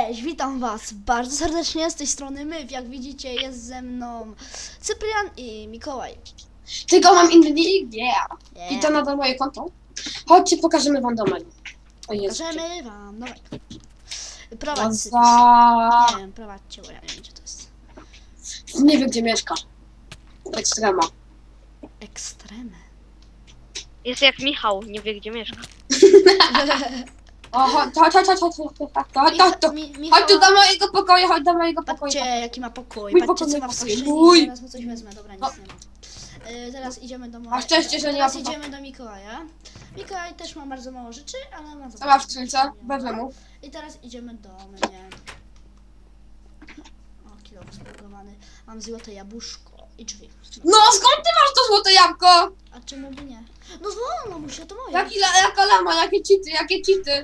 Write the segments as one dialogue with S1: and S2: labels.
S1: Cześć, witam was bardzo serdecznie z tej strony Myw. Jak widzicie, jest ze mną Cyprian i Mikołaj.
S2: Tylko mam inny nick, yeah.
S1: Yeah.
S2: I to nadal moje konto. Chodźcie, pokażemy wam domek. O Jezu.
S1: Pokażemy wam domek. Prowadź, Cyp.
S2: Za...
S1: Nie wiem, prowadźcie, bo ja nie wiem, gdzie to jest.
S2: Nie wiem, gdzie mieszka. Ekstrema.
S1: Ekstremy.
S3: Jest jak Michał, nie wie gdzie mieszka.
S2: O, chodź tu do mojego pokoju, chodź do mojego pokoju.
S1: Patrzcie, jaki ma pokój.
S2: Mój
S1: Patrzcie,
S2: pokój,
S1: co ma w
S2: mój
S1: skrzyni.
S2: pokój.
S1: Zaraz mu coś wezmę. Dobra, nic nie ma. Teraz idziemy do
S2: A szczęście, że nie ma
S1: Teraz idziemy do Mikołaja. Mikołaj też ma bardzo mało rzeczy, ale ma
S2: Co ma w skrzynce? Wezmę mu.
S1: I teraz idziemy do mnie. O, kilo zbudowany. Mam złote jabłuszko i drzwi.
S2: No, skąd ty masz to złote jabłko?
S1: A czemu by nie? No wolno mu się, to moje.
S2: Jaka lama, jakie cheaty.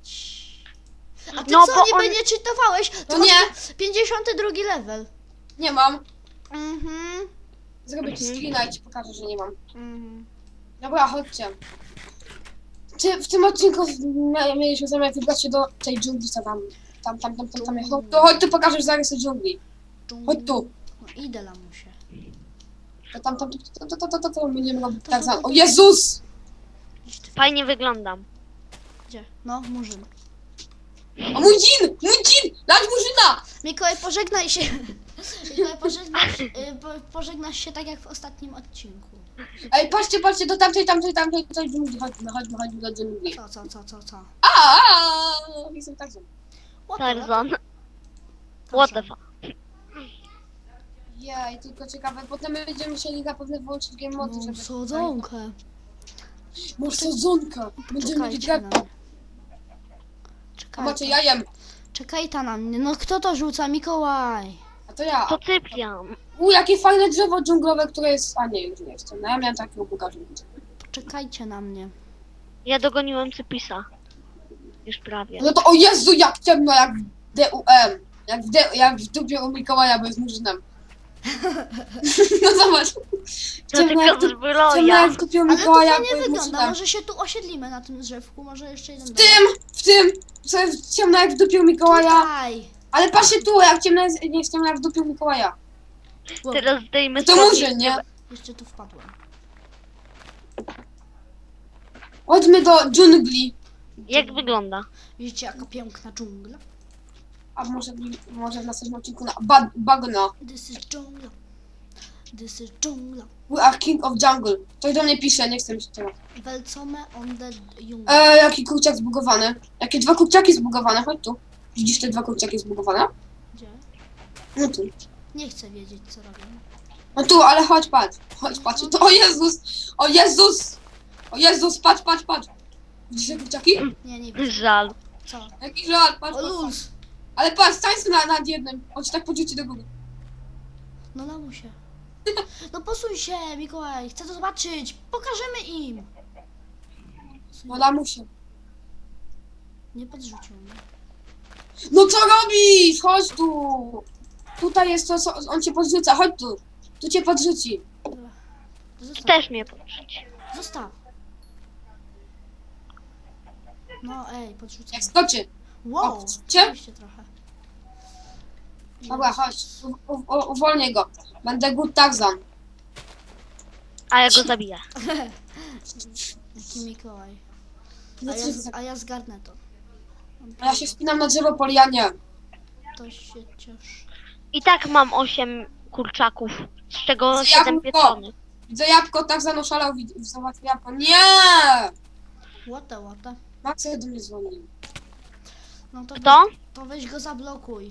S1: A ty
S3: No,
S1: co,
S3: bo
S1: niby
S3: on-
S1: nie cheatowałeś? To
S2: No nie.
S1: masz 52 level.
S2: Nie mam.
S1: Mhm.
S2: Zrobię ci screena i ci pokażę, że nie mam.
S1: Mhm.
S2: Dobra, chodźcie. Czy w tym odcinku mieliśmy zamiar wybrać się do tej dżungli, co tam. Chodź tu, pokażesz zarysy dżungli. Chodź tu.
S1: No idę lamusie.
S2: To będziemy robić tak za... O Jezus!
S1: Idź ty.
S3: Fajnie wyglądam.
S1: Gdzie? No, murzyn.
S2: O mój dżin! Dać murzyna!
S1: Mikołaj, pożegnaj się. Mikołaj, pożegnasz się tak jak w ostatnim odcinku.
S2: Ej, patrzcie do tamtej dżungli. Chodźmy do dżungli.
S1: Co?
S2: Jestem tak zły.
S3: Tarzan. What the fuck?
S2: Jej, tylko ciekawe, potem będziemy musieli zapewne wyłączyć game mody,
S1: No,
S2: żeby...
S1: sadzonkę.
S2: Masz sadzonkę! Będziemy mieć
S1: Czekajcie na
S2: grę.
S1: mnie.
S2: A macie
S1: Czekaj,
S2: jajem.
S1: czekaj ta na mnie. No kto to rzuca? Mikołaj.
S2: A to ja.
S3: To Cyprian.
S2: Jakie fajne drzewo dżunglowe, które jest... A nie, już nie jestem. No ja miałem takiego buga dżungli.
S1: Czekajcie na mnie.
S3: Ja dogoniłem Cypisa. Już prawie.
S2: No to o Jezu, jak ciemno, jak w DUM. Jak w dupie u Mikołaja, bo jest murzynem. No zobacz.
S3: To tylko
S2: Ciemno
S3: zbroja.
S2: jak w dupie u
S1: Ale to
S2: Mikołaja, bo
S1: fajnie
S2: jest
S1: wygląda.
S2: murzynem.
S1: Może się tu osiedlimy na tym drzewku. Może jeszcze jeden
S2: W tym, co jest ciemno jak w dupie u Mikołaja.
S1: Tutaj.
S2: Ale patrzcie tu, jak ciemno jest, nie jest ciemno jak w dupie u Mikołaja.
S1: Wow,
S3: Teraz zdejmę
S2: To
S3: spodnie.
S2: murzyn, nie?
S1: jeszcze tu wpadłem.
S2: Chodźmy do dżungli.
S3: Jak wygląda?
S1: Widzicie jaka piękna dżungla?
S2: A może w następnym odcinku na bagno.
S1: This is dżungla. This is dżungla.
S2: We are king of jungle. Ktoś do mnie pisze, nie chcę mi się teraz.
S1: Welcome on the jungle.
S2: Jaki kurczak zbugowany. Jakie dwa kurczaki zbugowane, chodź tu. Widzisz te dwa kurczaki zbugowane?
S1: Gdzie?
S2: No tu.
S1: Nie chcę wiedzieć co robię.
S2: No tu, ale chodź, patrz. Patrz. To, o Jezus! O Jezus, patrz. Widzisz te kurczaki?
S1: Nie, nie widzę.
S3: Żal.
S1: Co?
S2: Jaki żal, patrz.
S1: O luz.
S2: Ale patrz, stań sobie nad jednym. On ci tak podrzuci do góry.
S1: No lamusie. No posuń się, Mikołaj. Chcę to zobaczyć. Pokażemy im.
S2: No lamusie.
S1: Nie podrzucił mnie.
S2: No co robisz? Chodź tu. Tutaj jest to, co on cię podrzuca. Chodź tu. Tu cię podrzuci.
S1: Dobra. Zostaw.
S3: Też mnie poprzyć.
S1: Zostaw. No ej, podrzucę.
S2: Jak skoczy.
S1: Wow,
S2: O, cię?
S1: oczywiście trochę.
S2: Dobra, chodź. Uwolnię go. Będę good Tarzan.
S3: A ja go zabiję.
S1: Jaki Mikołaj.
S2: No
S1: A ja zgarnę to.
S2: A ja się wspinam na drzewo po lianie.
S1: To się cieszy.
S3: I tak mam 8 kurczaków. Z czego
S2: Jabłko.
S3: 7 pieczonych.
S2: Widzę jabłko, Tarzan oszalał. Zobacz jabłko. Nie!
S1: Łata.
S2: Max do mnie dzwonił.
S1: No to
S3: Kto?
S1: To weź go zablokuj.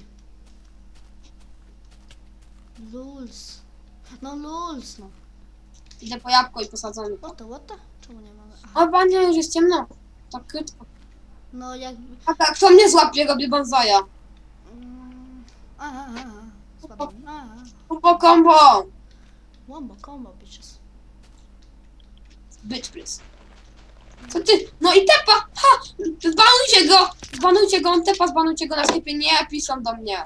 S1: Luls. No luls, no.
S2: Idę po jabłko i posadzony.
S1: Łata? Czemu nie mamy? Aha.
S2: O, panie, już jest ciemno. Tak krótko.
S1: No jakby...
S2: A tak, kto mnie złapie, robię bonsaja.
S1: Aha. Spadłem. Aha.
S2: Combo.
S1: Wombo, combo, bitches.
S2: Bitch, please. Co ty? No i tepa! Ha! Zbanujcie go, on tepa, zbanujcie go na sklepie. Nie, piszą do mnie.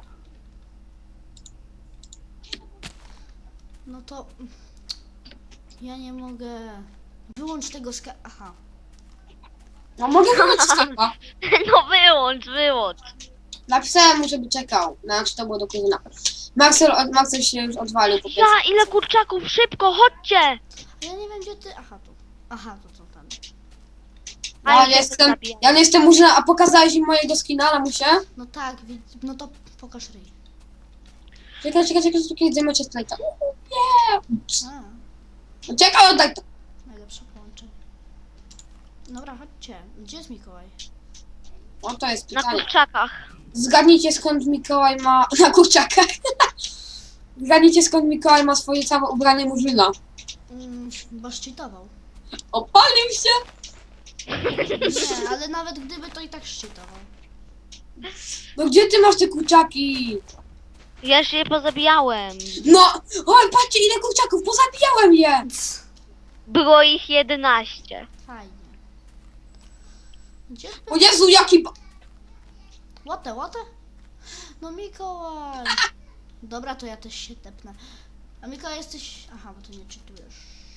S1: No to... Ja nie mogę... Wyłącz tego Aha.
S2: No mogę wyłączyć tepa.
S3: No wyłącz.
S2: Napisałem mu, żeby czekał. Znaczy to było do kuzyna. Marcel się już odwalił po prostu.
S3: Ja, ile kurczaków, szybko, chodźcie!
S1: A ja nie wiem gdzie ty... Aha, tu. Aha, to co tam.
S3: A,
S2: Ja nie jestem murzyna, a pokazałeś im mojego skina, lamusie?
S1: No tak, no to pokaż ryj.
S2: Czekaj, kiedy zajmujecie slajta.
S1: A,
S2: Czekaj, oddaj to.
S1: najlepsze połączenie. Dobra, chodźcie. Gdzie jest Mikołaj?
S2: O, to jest
S3: Na
S2: pytanie.
S3: kurczakach.
S2: Zgadnijcie skąd Mikołaj ma... Na kurczakach. Zgadnijcie skąd Mikołaj ma swoje całe ubranie murzyna.
S1: Bo szczytował.
S2: Opalił się!
S1: Nie, ale nawet gdyby to i tak szczytował.
S2: No gdzie ty masz te kurczaki?
S3: Ja już je pozabijałem.
S2: No! Oj, patrzcie ile kurczaków, pozabijałem je!
S3: Było ich 11.
S1: Fajnie. Gdzie ty?
S2: O Jezu, jaki...
S1: What the? No Mikołaj. Dobra, to ja też się tepnę. A Mikołaj jesteś... Aha, bo ty nie czytujesz.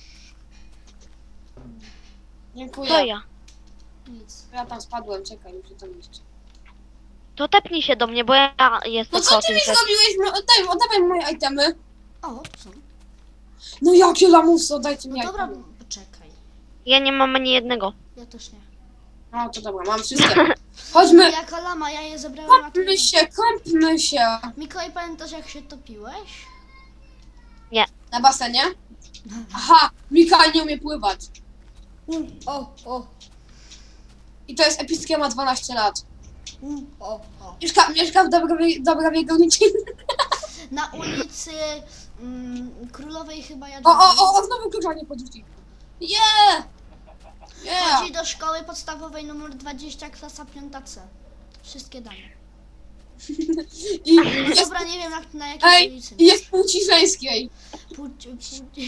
S2: Dziękuję.
S3: To ja.
S1: Nic.
S2: Ja tam spadłem, czekaj, muszę tam iść.
S3: To tepnij się do mnie, bo ja jestem
S2: No co ty
S3: kotem.
S2: mi zrobiłeś? Oddawaj moje itemy.
S1: O, tu są.
S2: No jakie lamusy, oddajcie mi
S1: No dobra,
S2: itemy.
S1: poczekaj.
S3: Ja nie mam ani jednego.
S1: Ja też nie.
S2: No to dobra, mam wszystkie. Chodźmy,
S1: Jaka lama, ja je zebrałem, a ty...
S2: kąpmy się.
S1: Mikołaj, pamiętasz jak się topiłeś?
S2: Na basenie? Aha, Mikołaj nie umie pływać.
S1: O.
S2: I to jest epickie, ma 12 lat.
S1: O.
S2: Mieszka w Dobrowie Górniczej.
S1: Na ulicy Królowej chyba
S2: O,
S1: Jadwigi.
S2: znowu klucza nie podrzuci.
S1: Chodzi do szkoły podstawowej numer 20, klasa 5C. Wszystkie dane.
S2: I jest,
S1: Dobra, nie wiem na jakiej ulicy.
S2: i jest płci żeńskiej.
S1: Płci.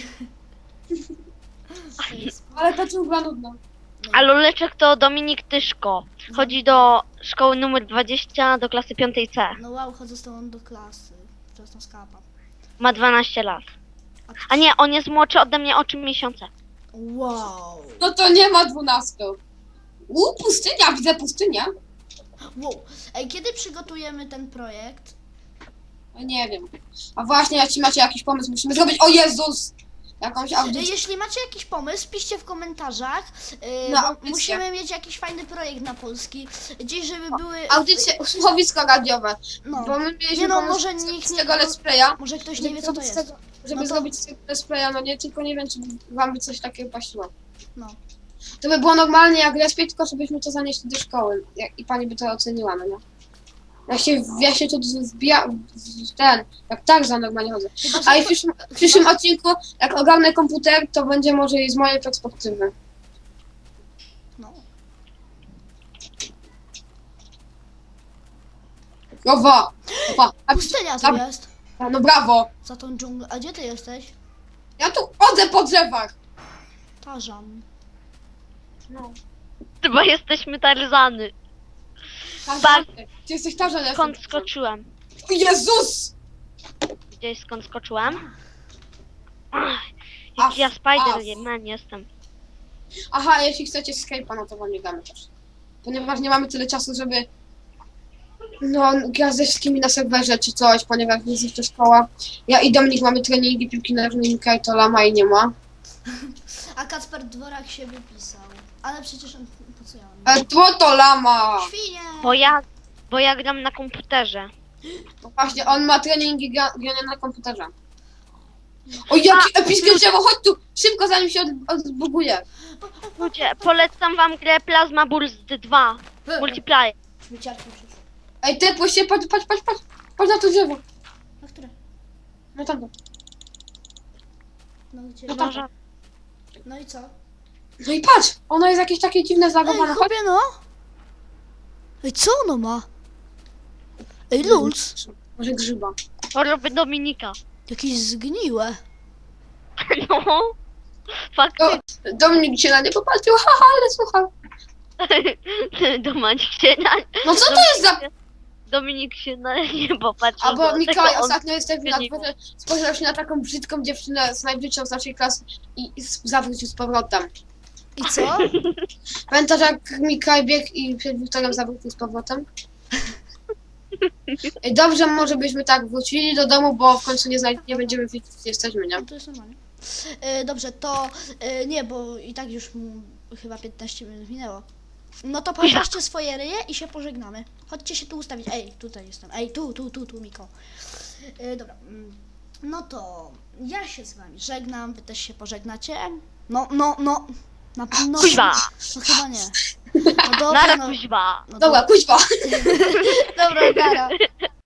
S2: Ale to była nudna.
S3: A Loleczek to Dominik Tyszko. Chodzi do szkoły numer 20 do klasy 5C.
S1: No wow, chodzę z tobą do klasy. Wczesna skapa.
S3: Ma 12 lat.
S1: A ty...
S3: A nie, on jest młodszy ode mnie o 3 miesiące.
S1: Wow.
S2: No to nie ma 12. Pustynia, widzę pustynię.
S1: Wow. Ej, kiedy przygotujemy ten projekt?
S2: No nie wiem. A właśnie, jeśli macie jakiś pomysł, musimy zrobić, o Jezus! Jakąś audycję.
S1: Jeśli macie jakiś pomysł, piszcie w komentarzach.
S2: Na
S1: Bo
S2: audycję.
S1: musimy mieć jakiś fajny projekt na Polski. Gdzieś, żeby były...
S2: Audycje, słuchowisko radiowe.
S1: No.
S2: Bo my mieliśmy
S1: Nie no,
S2: pomysł
S1: może
S2: z
S1: nikt nie...
S2: tego let's playa.
S1: Może ktoś nie wie, co to jest.
S2: Żeby
S1: No to-
S2: zrobić z tego let's playa, no nie, tylko nie wiem, czy wam by coś takiego pasiło.
S1: No.
S2: To by było normalnie jak let's play, tylko żebyśmy to zanieśli do szkoły. I pani by to oceniła, no nie? Ja się tu wbija, jak tak za normalnie chodzę.
S1: Chyba, że
S2: A i
S1: to-
S2: w przyszłym odcinku, jak ogarnę komputer, to będzie może i z mojej perspektywy.
S1: No.
S2: Owa!
S1: Pustynia tu
S2: Dobra.
S1: jest.
S2: No brawo!
S1: Za tą dżunglę. A gdzie ty jesteś?
S2: Ja tu chodzę po drzewach!
S1: Tarzan.
S2: No.
S3: Chyba jesteśmy Tarzany.
S2: Tarzan, ty jesteś Tarzan, ja
S3: Skąd
S2: jestem-
S3: skoczyłem?
S2: O Jezus!
S3: Gdzieś skąd skoczyłem? Ach,
S2: As,
S3: jaki ja Spider
S2: as.
S3: Man jestem.
S2: Aha, jeśli chcecie Skype'a, no to wam nie damy też. Ponieważ nie mamy tyle czasu, żeby grać ze wszystkimi na serwerze czy coś, ponieważ jest jeszcze szkoła. Ja i Dominik mamy treningi piłki nożnej, Mikołaj to lama i nie ma.
S1: A Kacper Dworak się wypisał. Ale przecież on... Po co ja mam?
S2: Ale to lama!
S1: Świnie!
S3: Bo ja gram na komputerze.
S2: No właśnie, on ma treningi grania na komputerze. O, jakie epickie drzewo, chodź tu! Szybko, zanim się odbuguje.
S3: Ludzie, polecam wam grę Plasma Burst 2. Multiplayer.
S1: Wyciarki przyszły.
S2: Ej, tepłeś się, patrz na to drzewo.
S1: Na które?
S2: No tam.
S1: No gdzie?
S2: No tak.
S1: No i co?
S2: No i patrz, ono jest jakieś takie dziwne,
S1: Ej,
S2: zagowane. Chodź.
S1: chłopie no! Ej, co ono ma? Ej, Lulz!
S2: Może grzyba.
S3: Choroby Dominika.
S1: Jakieś zgniłe.
S3: No. Faktycznie.
S2: Dominik się na nie popatrzył, haha, ale słuchaj.
S3: Dominik się na...
S2: No co to jest za...
S3: Dominik się na niebo patrzył.
S2: Albo
S3: dlatego
S2: Mikołaj
S3: on-
S2: ostatnio jest tak
S3: zmienił.
S2: spojrzał się na taką brzydką dziewczynę z najbliższą z naszej klasy i zawrócił z powrotem.
S1: I co?
S2: Pamiętasz jak Mikołaj biegł i przed Wiktorem zawrócił z powrotem? Ej, dobrze, może byśmy tak wrócili do domu, bo w końcu nie będziemy wiedzieć, gdzie jesteśmy, nie?
S1: No to jest normalnie. Dobrze, to nie, bo i tak już mu chyba 15 minut minęło. No to podnoście swoje ryje i się pożegnamy. Chodźcie się tu ustawić. Ej, tutaj jestem. Ej, tu, Miko. Dobra. No to ja się z wami żegnam, wy też się pożegnacie. No. No
S3: Kuźwa!
S1: no chyba nie. No dobra,
S3: Nara
S1: no.
S3: kuźwa!
S1: No
S2: Dobra, kuźwa!
S1: dobra, nara.